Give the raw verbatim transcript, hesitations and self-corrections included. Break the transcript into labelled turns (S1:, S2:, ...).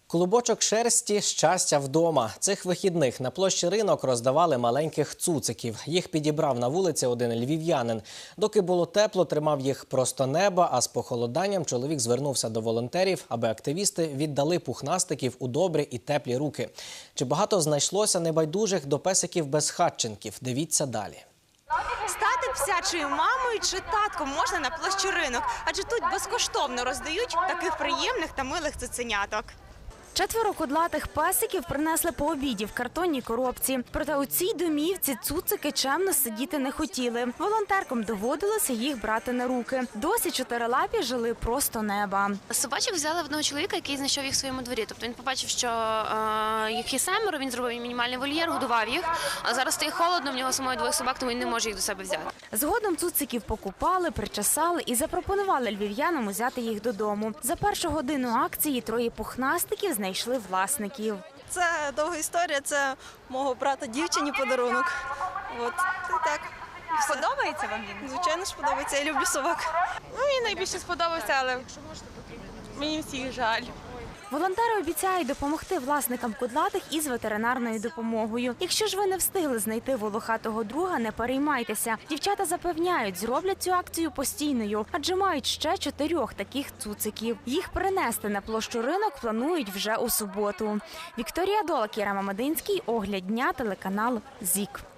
S1: Клубочок шерсті – щастя вдома. Цих вихідних на площі Ринок роздавали маленьких цуциків. Їх підібрав на вулиці один львів'янин. Доки було тепло, тримав їх просто неба, а з похолоданням чоловік звернувся до волонтерів, аби активісти віддали пухнастиків у добрі і теплі руки. Чи багато знайшлося небайдужих до песиків-безхатченків? Дивіться далі.
S2: Стати псячою мамою чи татком можна на площі Ринок, адже тут безкоштовно роздають таких приємних та милих цуценяток.
S3: Четверо кудлатих песиків принесли по обіді в картонній коробці. Проте у цій домівці цуцики чемно сидіти не хотіли. Волонтеркам доводилося їх брати на руки. Досі чотирилапі жили просто неба.
S4: Собачок взяли в одного чоловіка, який знайшов їх в своєму дворі. Тобто він побачив, що е, їх є семеро, він зробив їм мінімальний вольєр, годував їх. А зараз стає холодно, в нього самої двоє собак, тому він не може їх до себе взяти.
S3: Згодом цуциків покупали, причесали і запропонували львів'янам взяти їх додому. За першу годину акції троє пухнастиків знайшли власників.
S5: Це довга історія, це мого брата дівчині подарунок. От, і так.
S2: Подобається вам він?
S5: Звичайно ж подобається, я люблю собак.
S2: Ну, мені найбільше сподобався, але мені всіх жаль.
S3: Волонтери обіцяють допомогти власникам кудлатих із ветеринарною допомогою. Якщо ж ви не встигли знайти волохатого друга, не переймайтеся. Дівчата запевняють, зроблять цю акцію постійною, адже мають ще чотирьох таких цуциків. Їх перенести на площу Ринок планують вже у суботу. Вікторія Дола, Кіра Мамединський, Огляд дня, телеканал ЗІК.